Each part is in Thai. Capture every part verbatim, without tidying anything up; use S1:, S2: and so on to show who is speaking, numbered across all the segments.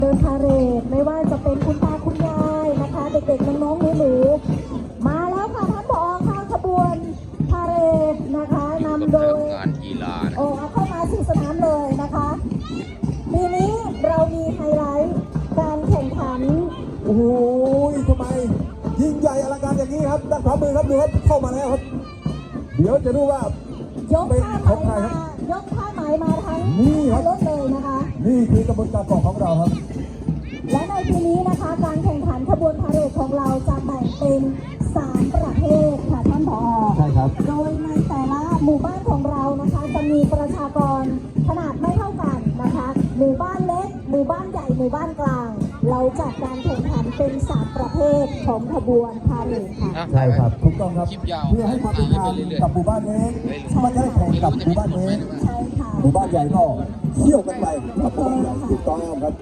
S1: เดินพาเหรดไม่ว่าจะเป็นคุณตาคุณยายนะคะเด็กๆน้องๆหนูๆมาแล้วค่ะท่านผอค่ะขบวนพาเหรดนะคะนำโดย
S2: งานกีฬา
S1: โอ้เข้ามาสู่สนามเลยนะคะปีนี้เรามีไฮไลท์การแข่งขัน
S3: โอ้โหทำไมยิ่งใหญ่อลังการอย่างนี้ครับด้านขวามือครับดูครับเข้ามาแล้วครับเดี๋ยวจะดูว่าย
S1: กผ้าไหมมายกผ้าไหมมาทั้งรถเลยนะคะ
S3: นี่คือกระบวนการก่อของเราครับ
S1: และในปีนี้นะคะการแข่งขันขบวนพาเหรดของเราจะแบ่งเป็นสามประเภทค่ะท่านผอ.
S3: ใช่ครับ
S1: โดยในแต่ละหมู่บ้านของเรานะคะจะมีประชากรขนาดไม่เท่ากันนะคะหมู่บ้านเล็กหมู่บ้านใหญ่หมู่บ้านกลางเราจัดการแข่งขันเป็นสามประเภทของขบวนพาเหรดค่ะ
S3: ใช่ครับถูกต้องครับเพื่อให้ความเป็นธรรมกับหมู่บ้านเล็กมันจะได้แข่งกับหมู่บ้านเล็ก
S1: ใช่ค่ะ
S3: หมู่บ้านใหญ่ก็เที่ยวกันไปกับหมู่บ้านใหญ่ถูกต้องครับ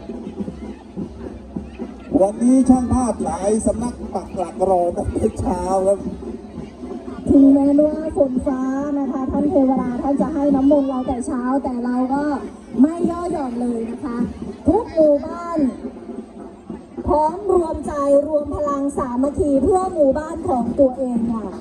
S3: วันนี้ช่างภาพหลายสำนักปักหลักรอตั้งแต่เช้าครับ
S1: ถึงแม้ว่าฝนฟ้านะคะท่านเทวดาท่านจะให้น้ำมนต์เราแต่เช้าแต่เราก็ไม่ย่อหย่อนเลยนะคะทุกหมู่บ้านพร้อมรวมใจรวมพลังสามัคคีเพื่อหมู่บ้านของตัวเองค่ะ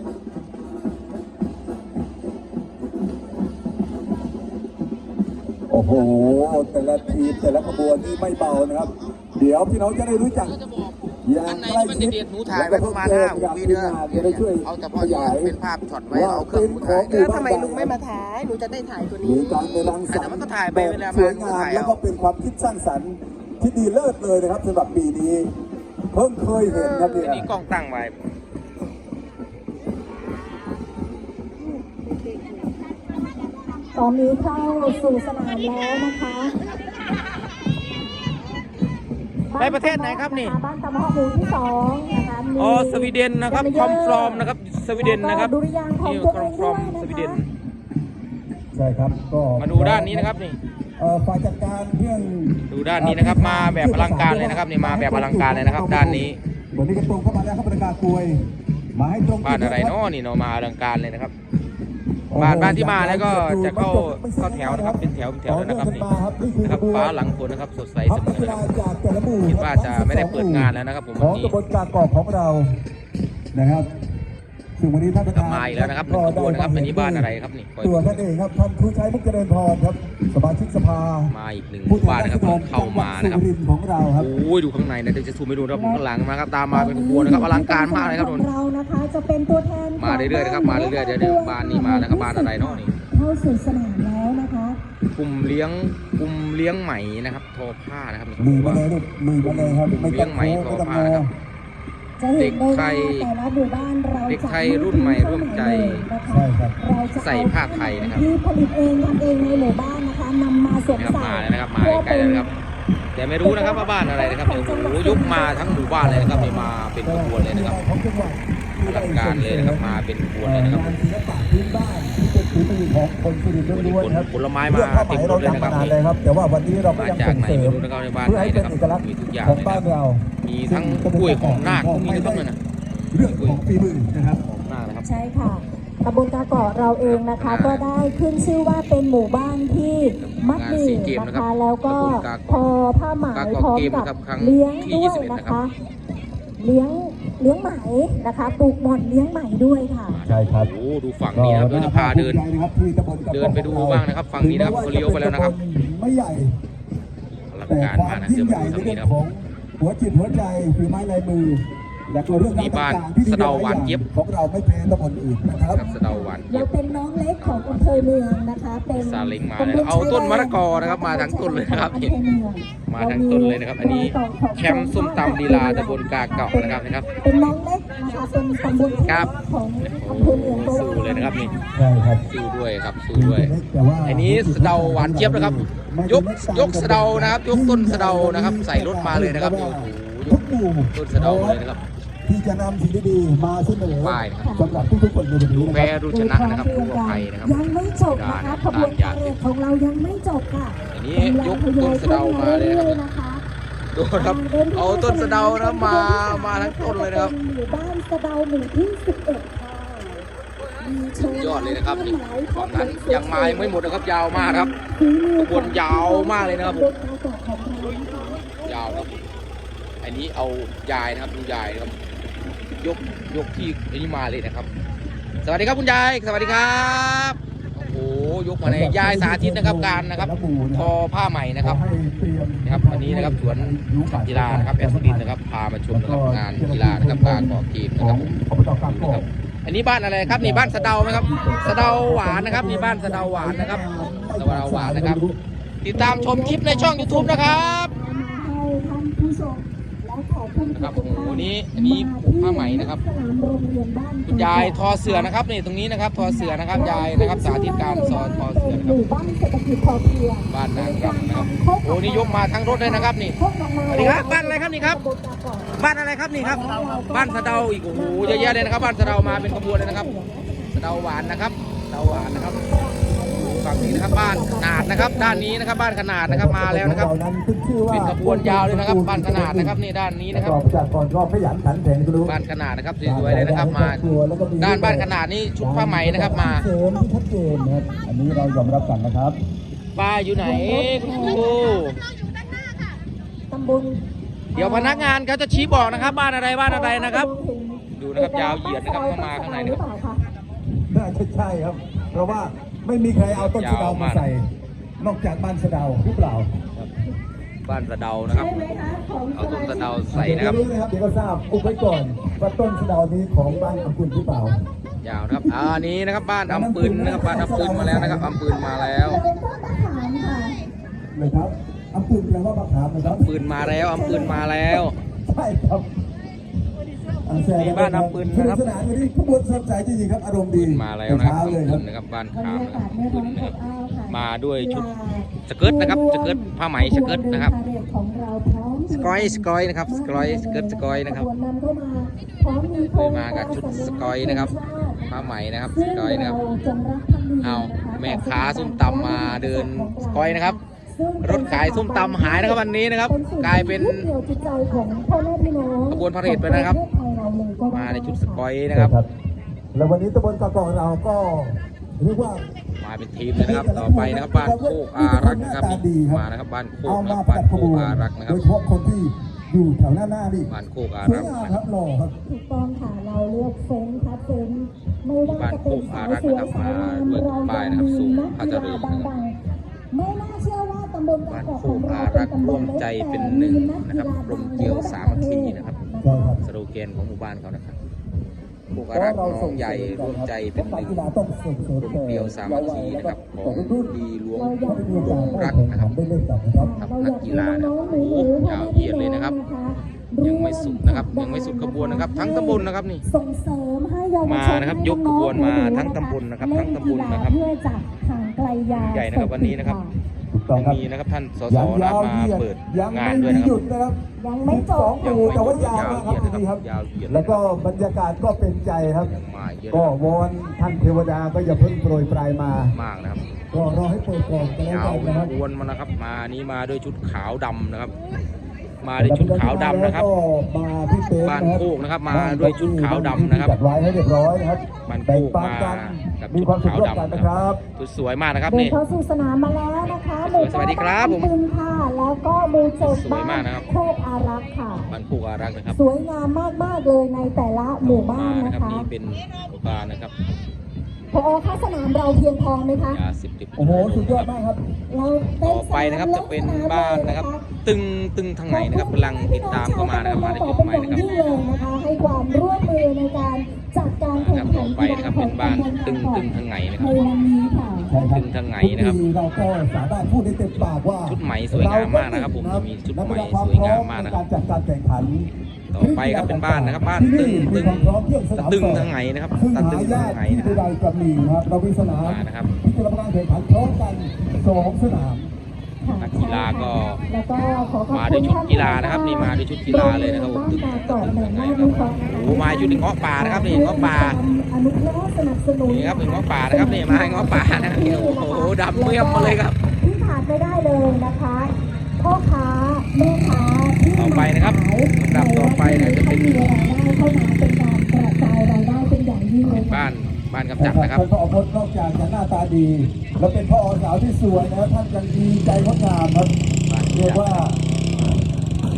S3: โอ้โหแต่ละทีมแต่ละขบวนนี่ไม่เบานะครับเดี๋ยวพี่น้องจะได้รู้จัก
S2: อย่างใกล้ชิดหนูถ่ายไปประมาณห้าวิเนื้อเอาแต่พออยากเป็นภาพช็อตไว้เอาเครื่องมือถ่าย
S4: แล้วทำไมลุงไม่มาถ่ายหนูจะได้ถ่ายตัวนี้
S3: มีการในรังสรรค์
S2: แต่มันก็ถ่ายไปเวลา
S3: สวยงามแล้วก็เป็นความคิดสร้างสรรค์ที่ดีเลิศเลยนะครับสำหรับปีนี้เพิ่งเคยเห็นครับเนี่ย
S2: นี่กล้องตั้งไว้
S1: ตอนนี้เข้าสู่สนามแล้วนะคะ
S2: ไปประเทศไหนครับนี่
S1: บ้านตะมะหมู่ที่สองนะคะ
S2: อ๋อสวีเดนนะครับคอมฟรอมนะครับสวีเดนนะครับนี่คอมฟรอมสวีเดน
S3: ใช่ครับก็
S2: มาดูด้านนี้นะครับนี่
S3: ฝ่ายจัดการเรื่อง
S2: ดูด้านนี้นะครับมาแบบอลังการเลยนะครับนี่มาแบบอลังการเลยนะครับด้านนี้
S3: วันนี้ก็ตรงเข้ามาแล้วครับประกาศกลวยมาให้ตรง
S2: บ้านอะไรเนาะนี่เนาะมาอลังการเลยนะครับบ้านบ้านที่มาแล้วก็จะเข้าเข้าแถวนะครับเป็นแถวเป็นแถวนะครับนี่นะครับฟ้าหลังฝนนะครับสดใสเสมอนะครับคิดว่าจะไม่ได้เปิดงานแล้วนะครับผมวันนี้
S3: กระบวนการก่อของเรานะครับซึ่งวันนี้ท่านประธาน
S2: มาอีกแล้วนะครับเป็นขบวนนะครับอันนี้บ้านอะไรครับนี่
S3: ตัวท่านเองครับท่านครูชัยมุกเจริญพรครับสมาชิกสภา
S2: มาอีกหนึ่งบ้านนะครับเข้ามานะครับ
S3: ของเราครับ
S2: โอ้ยดูข้างในนะเดี๋ยวจะซูมไปดูนะครับข้างหลังมาครับตามมาเป็นขบวนนะครับอลังการมากเลยครับทุกคน
S1: เรานะคะจะเป็นตัวแทน
S2: มาเรื่อยๆนะครับมาเรื่อยๆเดี๋ยวบ้านนี้มานะครับบ้านอะไรเนาะนี่
S1: เข้าสู่สนามแล้วนะคะ
S2: กลุ่มเลี้ยงกลุ่มเลี้ยงไหมนะครับทอผ้านะครับ
S3: มือมาเลยลูกมือมาเลยครับ
S2: เลี้ยงไหมทอผ้านะครับเด็กไทยเด็กไทยรุ่นใหม่ร่วมใจใส่ผ้าไทยนะครับ
S1: ที่ผลิตเองทำเองในหมู่บ้านนะคะนำมาสวมใส่
S2: มาเลยนะครับมาใกล้ๆนะครับแต่ไม่รู้นะครับว่าบ้านอะไรนะครับเนี่ยโอ้โหยุบมาทั้งหมู่บ้านเลยนะครับนี่มาเป็นขบวนเลยนะครับอลังการเลยนะครับมาเป็นขบวนเลยนะครับผลไม้มาเต็มรถเลยนะครับ
S3: แต่ว่าวันนี้เรา
S2: มาจากไหนไม่รู้นะครับในบ้านไหนนะครับมีทุกอย่างเลยนะครับมีทั้งกล้วยของนาคมีทุกต้นเลยนะ
S3: เรื่องของฝีมือนะครับ
S2: ของนาคนะครับ
S1: ใช่ค่ะตำบลกาเกาะเราเองนะคะก็ได้ขึ้นชื่อว่าเป็นหมู่บ้านที่มัดหมี่นะคะแล้วก็พอผ้าไหมพร้อมกับเลี้ยงด้วยนะคะเลี้ยงเลี้ยงไหมนะคะปลูกหม่อนเลี้ยงไหมด้วยค่ะ
S3: ใช่ครับ
S2: โอ้ดูฝั่งนี้นะครับเราจะพาเดินเดินไปดูบ้างนะครับฝั่งนี้นะครับเขาเลี้ยวไปแล้วนะครับ
S3: ไม่ใหญ่
S2: อลังการมากนะเดี๋ยวมาดูทางนี้นะครับ
S3: หัวจิตหัวใจฝีไม้ลายมือและก็เรื่อง
S2: นี้บ้านสะเดาหวานเย็บ
S3: ของเราไม่แพ้ตำบลอื่นนะครับ
S2: สะเดาหวาน
S1: เราเป็นน้องเล็กของอำเภอเมืองนะคะเป็น
S2: ซาเล้งมาเลยเอาต้นมะละกอนะครับมาทั้งต้นเลยนะครับเห็นมาทั้งต้นเลยนะครับอันนี้แคมป์ส้มตำลีลาตำบลกาเกาะนะครับนะครับ
S1: เป็นน้องเล็กนะคะเป็นตำบล
S2: ครับ
S1: ของอำเภอเมือง
S2: สู้เลยนะครับนี่
S3: ใช่ครับ
S2: สู้ด้วยครับสู้ด้วยอันนี้สะเดาหวานเจี๊ยบนะครับยกยกสะเดานะครับยกต้นสะเดานะครับใส่รถมาเลยนะครับโอ้โหต้นสะเดาเลยนะครับ
S3: ที่จะนำสิ่งดีๆมาเสนอสำหรับทุกๆคนในวันนี้
S2: แพ้รู้ชนะนะครับผู้ภัยนะครับ
S1: ยังไม่จบนะคะขบวนพาเหรดของเรายังไม่จบค่ะ
S2: อันนี้ยกต้นสะเดามาเลยนะครับดูครับเอาต้นสะเดานะมามาทั้งต้นเลยนะครับ
S1: หมู่บ้านสะเดาหมู่ที่สิบเอ็ดค่ะ
S2: ยอดเลยนะครับนี่ฝั่งนั้นยังมาไม่หมดนะครับยาวมากครับขบวนยาวมากเลยนะครับาวครับอันนี้เอายายนะครับดูยายนะครับยกยกที่อันนี้มาเลยนะครับสวัสดีครับคุณยายสวัสดีครับโอ้โหยกมาในยายสาธิตนะครับการนะครับทอผ้าใหม่นะครับนะครับวันนี้นะครับสวนกีฬานะครับแอสซินนะครับพามาชมนะครับงานกีฬานะครับการก่อเกมนะครับนะครับอันนี้บ้านอะไรครับนี่บ้านสะเดาไหมครับสะเดาหวานนะครับนี่บ้านสะเดาหวานนะครับสะเดาหวานนะครับติดตามชมคลิปในช่อง ยูทูบ นะครับ
S1: ให้ท่านผู้ชมและขอคุณ
S2: นะครับโอ้โหนี้อันนี้ผูกผ้าไหมนะครับคุณยายทอเสือนะครับนี่ตรงนี้นะครับทอเสือนะครับยายนะครับสาธิตการสอนทอเสือนะครับ
S1: บ้านเศรษฐกิจพอเพียง
S2: บ้านนางรำนะครับโอ้นี่ยกมาทั้งรถเลยนะครับนี่สวัสดีครับบ้านอะไรครับนี่ครับบ้านอะไรครับนี่ครับบ้านสะเดาอีกโอ้โหเยอะแยะเลยนะครับบ้านสะเดามาเป็นขบวนเลยนะครับสะเดาหวานนะครับสะเดาหวานนะครับฝั่งนี้นะครับบ้านขนาดนะครับด้านนี้นะครับบ้านขนาดนะครับมาแล้วนะครับเป็นขบวนยาวเลยนะครับบ้านขนาดนะครับนี่ด้านนี้นะครับ
S3: จากก่อนก็ขยันขันแข็งก็รู้
S2: บ้านขนาดนะครับสวยๆเลยนะครับมาด้านบ้านขนาดนี้ชุดผ้าไหมนะครับมา
S3: เสริมที่ชัดเจนนะครับอันนี้เรายอมรับกันนะครับ
S2: ป้าอยู่ไหนคุณครู
S1: ตำบล
S2: เดี๋ยวพนักงานเขาจะชี้บอกนะครับ บ้านอะไรบ้านอะไรนะครับ ดูนะครับยาวเหยียดนะครับเข้ามาข้างในนะครับ
S3: น่าจะใช่ครับ เพราะว่าไม่มีใครเอาต้นสะเดามาใส่ นอกจากบ้านสะเดาหรือเปล่า
S2: บ้านสะเดานะครับ
S1: ใช่ไหมคะของ
S2: เอาต้นสะเดาใส่นะครับ
S3: เดี๋ยวรู้นะครับเดี๋ยวก็ทราบอุบไว้ก่อนว่าต้นสะเดานี้ของบ้านอัมพุนหรือเปล่าย
S2: าวนะครับอ่านี้นะครับบ้านอัมปืนนะครับบ้านอัมปืนมาแล้วนะครับอัมปืนมาแล้ว
S1: จะเป็นต้นมะขามค่ะ
S3: เลยครับอัมพุนแปลว่ามะขามนะครับ
S2: ปืนมาแล้วอัมปืนมาแล้ว
S3: ใช่ครับ
S2: มีบ้านอัมปืนนะครับ
S3: สนุกสนานวันนี้ขบวนสดใสจริงๆครับอารมณ์ดี
S2: มาแล้วนะครับ
S3: เช้า
S2: อัม
S3: เลยค
S2: ปื
S3: รับ
S2: นนะครับบ้าน
S1: บรร
S2: ขาม
S1: ยา
S2: นะค
S1: กา
S2: รับ
S1: ศไม่ร้อน
S2: นะครับ
S1: อบอ้าวค่ะ
S2: มาด้วยชุดสเกิร์ตนะครับสเกิร์ตผ้าไหมสเกิร์ตนะครับ
S1: ของเราพร้อม
S2: สกอยสกอยนะครับสกอยสเกิร์ตสกอยนะครับ
S1: ขบวนนำเข้ามาพร้อมมีธ
S2: เคย
S1: ง
S2: มากับชุดสกอยนะครับผ้าไหมนะครับสกอยนะครับ
S1: ซึ่งเราจงรักภักดี
S2: เอา
S1: นะคะ
S2: แม่ค้าส้มตำมาเดินสกอยนะครับ รถขายส้มตำหายนะครับวันนี้นะครับ กลายเป็น
S1: ยึดเหนี่ยวจิตใจของพ่อแม่พี่น้อง
S2: ขบวนพาเหรดไปนะครับ
S1: ของประเทศไทยเราเลยก็ได้
S2: มาในชุดสกอยนะครับ
S3: แล้ววันนี้ตำบลกะกองเราก็เรียกว่า
S2: มาเป็นทีมเลยนะครับ ต่อไปนะครับบ้านโคกอารักษ์นะครับนี่มานะครับบ้านโคก
S3: เอา
S2: นะค
S3: มา
S2: รับ
S3: ป
S2: บ้าน
S3: ระ
S2: โค
S3: ขบ
S2: ก
S3: วน
S2: อารักษ์นะค
S3: โด
S2: รับ
S3: ยเฉพาะคนที่อยู่แถวหน้าหน้านี่
S2: บ้านโคกอา
S3: สวย
S2: รักษ์
S3: งาม
S2: นะ
S3: ค
S2: ค
S3: รั
S2: รั
S3: บบ หล่อครับ
S1: ถูกต้องค่ะเราเลือกเฟ้นคัดเฟ้นไม่ว่าจะเป็นสาวสวยสาวงามเรายังมีนักกีฬาดังๆไม่น่าเชื่อว่าตำบล
S2: บ้าน
S1: กอก
S2: โค
S1: ของ
S2: ก
S1: เรา
S2: อา
S1: เป็
S2: รั
S1: น
S2: กษ์
S1: ตำบ
S2: ร่ว
S1: ล
S2: ม
S1: เล็ก
S2: ใจ
S1: แต่
S2: เป็นห
S1: มี
S2: นึ่ง
S1: นัก
S2: นะ
S1: กี
S2: ครับ
S1: ฬาก
S2: ลมเกลียวสามัคคีนะครับ
S3: ใช่ครับ
S2: สโลแกนของหมู่บ้านเขานะครับโคกอารักษ์น้องใหญ่ร่วมใจเป็นหนึ่ง
S3: กีฬาต้องส่งเสริม
S2: กลมเกลียวสามัคคีนะครับของดีหลวง
S1: เราอยาก
S3: มีโอกาส
S2: รัก
S3: ได้
S2: นะครับ
S3: ได้เล่นกับนะครับ
S2: ครับ
S1: เรา
S2: นั
S1: อก ยาก
S2: กี
S1: ให้
S2: ฬานะ
S1: น้
S2: ค
S1: อ
S2: รับ
S1: งๆหนู
S2: โอ้
S1: ๆ
S2: ยาวเหยียดเลยนะครับ
S1: ร่ว
S2: ยังไม่สุดนะครับยังไม่สุดขบวนนะครับ ทั้งตำบลนะครับนี่
S1: ส่งเสริมให้เยาวชน
S2: มานะครับยกขบวนมาทั้งตำบลนะครับทั้งตำบลนะครับ
S1: เพื่อจะห่างไกลยา
S2: ใหญ่นะครับวันนี้นะครับ
S3: ถูกต้อง
S2: ยัง
S3: ครับ
S2: มีนะครับท่านสส
S3: ยัง
S2: นะ
S3: ยาว
S2: มา
S3: เหยียด
S2: เปิด
S3: ยัง
S2: งาน
S3: ไม่
S2: ด้วย
S3: มี
S2: นะค
S3: หยุ
S2: รับ
S3: ดนะครับ
S1: ยังไม่จบ
S3: โอ้โหแต่ว่ายาว
S2: ยาว
S3: นะ
S2: เห
S3: ค
S2: ยี
S3: รั
S2: ย
S3: บ
S2: ดนะครับ
S3: ดีครับ
S2: ยาวเหยียด
S3: แล้วก็บรรยากาศก็เป็นใจครับ
S2: มาเยอะ
S3: ก็วอนท่านเทวดาก็อย่าเพิ่งโปรยปลายมา
S2: มากนะครับ
S3: ก็รอให้เปิดก่อนก็แล้ว
S2: ยาว
S3: กันนะครับ
S2: ขบวนมานะครับ มานี้มาด้วยชุดขาวดำนะครับ มาด้วยชุดขาวดำนะครับ
S3: แล้วก็มาที่เต็นท์
S2: บ้านโคกนะครับมาด้วยชุดขาวดำนะครับ
S3: จัดไว้ให้เรียบร้อยนะครับ
S2: บ้านโค
S3: แบ่ง
S2: ก
S3: ปัน
S2: มา
S3: กัน
S2: กับ
S3: มี
S2: ชุด
S3: ความสุข
S2: ขาว
S3: ร่วมกัน
S2: ดำนะ
S3: นะ
S2: ค
S3: ค
S2: รั
S3: รับ
S2: บสวยมากนะครับ
S1: เดิน
S2: นี่
S1: เข้าสู่สนามมาแล้วนะคะหมู่
S2: สวัสดีครับผม
S1: บ้านค่ะ แล้วก็หมู่เจ็ด
S2: สวยมากนะครับ
S1: โคกอารักษ์ค่ะ
S2: บ้านโคกอารักษ์นะครับ
S1: สวยงามมากๆเลยในแต่ละหมู่บ้าน
S2: นะ
S1: นะครับ คะ
S2: นี่เป็นโรงพยาบาลนะครับ
S1: พอค่าสนามเราเพียงพอไหมคะ
S2: ยาสิบติด
S3: โอ้โหสุดยอดมากครับ
S1: เราเต้
S2: ต่อไปนะครับจะเป็นบ้านนะครับ ตึงตึงทางไหนนะครับกำลังติดตามเข้ามานะครับมาในจุดใหม่นะครับ
S1: ยิ่งเลยนะคะให้ความร่วมมือในการจัดการ
S2: นะ
S1: แข่
S2: ค
S1: ง
S2: รับ
S1: ขั
S2: ต่อน ไปนะครับเป็นบ้านตึงตึงทางไหนนะค
S1: ใน
S2: รับ
S1: วันนี้ค่ะ
S3: ใช่ครับ
S2: ถึงทางไหนนะครับ
S3: ทุกปีเราก็สามารถพูดได้เต็มปากว่า
S2: ชุดไหมสวยงามมากนะครับผมมีชุดไหมสวยงามมากนะครับ
S3: ในการจัดการแข่งขัน
S2: ต่อไปครับเป็นบ้านนะครับ บ้านตึงตึงตะตึงทางไหนนะครับ
S3: ซึ่ง
S2: ตะ
S3: หา
S2: ตึง
S3: ยา
S2: ทาก งไหน
S3: ที่
S2: นะครับ
S3: ใดๆกับมีนะครับเรามีสนาม
S2: มานะครับ
S3: ที่จะรับการแข่งขันพร้อมกันสองสนาม
S2: นักกีฬาก็
S1: แล้วก็ขอขอบ
S2: มา
S1: คุ
S2: ด้วย
S1: ณ
S2: ชุดกีฬานะครับนี่มาด้วยชุดกีฬาเลยนะครับผมตึงตึงทางไหนนะครับโอ้มาอยู่ในเงาะป่านะครับนี่เงาะป่า
S1: อนุเคราะห์สนับสนุน
S2: นี่ครับเป็นเงาะป่านะครับนี่มาให้เงาะป่านะครับโอ้โหดำเมี่ยมมาเลยครับ
S1: ที่ขาดไม่ได้เลยนะคะพ่อค้าแม่ค้าที่
S2: ต่อไปนะครับลำดับต่อไปนะจะเป็น
S1: มีรายได้เข้ามาเป็นการกระจายรายได้เป็นอย่างยิ่งเลยค่ะ
S2: บ้านบ้านกำจัดนะครับ
S3: ท่านพ่อพจน์นอกจากจะหน้าตาดี แล้วเป็นพ่อสาวที่สวยนะครับท่านยังดีใจงดงามครับ
S2: บ้าน
S3: เรียก
S2: กำจัด
S3: ว่า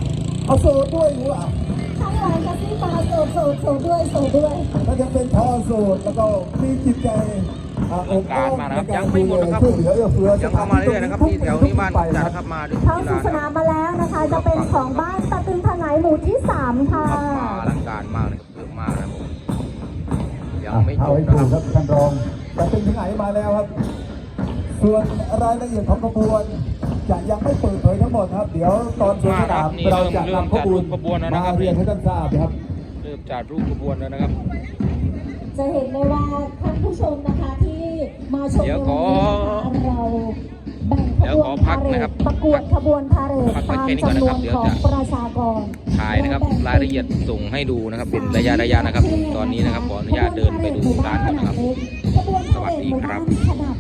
S3: เอาโซดด้วยหรือเปล่า
S1: ข้างหลังกระซิบมาโสดโสดโสดด้วยโสดด้วย
S3: ถ้ายังเป็นทอโสดแล้วก็มีจิตใจอ่าอบอ้อม
S2: การมานะครับ
S3: ในก
S2: ยังไม่หมดนะครับ
S3: ช่วยเหลือเอื้อเฟื้อ
S2: ยังเข้ามาเรื่อยๆนะครับที่แถวนี้บ้านจัดนะครับมาด้วย
S1: เข้า
S2: กีฬา
S1: สู่ส
S2: นะค
S1: นา
S2: รั
S1: ม
S2: บ
S1: มาแล้วนะคะ จะเป็นของบ้านตะตึงถนายหมู่ที่สามค่ะ
S2: ครับมาอลังการมากเลยครับเยอะมากนะครับผมยังไม่จ
S3: เอา
S2: บ
S3: ให้
S2: นะ
S3: ถู
S2: ค
S3: ก
S2: รับ
S3: ครับท่านรองจะเป็นถึงไหนมาแล้วครับ ส่วนรายละเอียดของขบวนจะยังไม่เปิดเผยทั้งหมดครับ เดี๋ยวตอนสวนสนามเราจะนำขบวนมาเรียนให้ท่านทราบนะครับ
S2: เริ่มจัดรูปขบวนแล้วนะครับ
S1: จะเห็นได้ว่าท่านผู้ชมนะคะที่มาชม
S2: เดี๋ยวขอ
S1: ในวันนี้นะคะเราแบ่งข
S2: เดี๋ยว
S1: บ
S2: ข
S1: ว
S2: อน พั
S1: พาก เหร
S2: นะครั
S1: ด
S2: บ
S1: ประกวดขบวนพาเหรด
S2: พักไว้
S1: ตาม
S2: แค่นี้ก่อน
S1: จำน
S2: นะ
S1: ว
S2: ครับ
S1: น
S2: เดี๋ยว
S1: ของ
S2: จะ
S1: ประชากร
S2: ถ่ายนะครับรายละเอียดส่งให้ดูนะครับเป็นระยะระยะนะครับ ตอนนี้นะครับขออนุญาตเดินไปดูร้านก่อนนะครับ
S1: ขบวนพาเหรดหมู่บ้านขนาด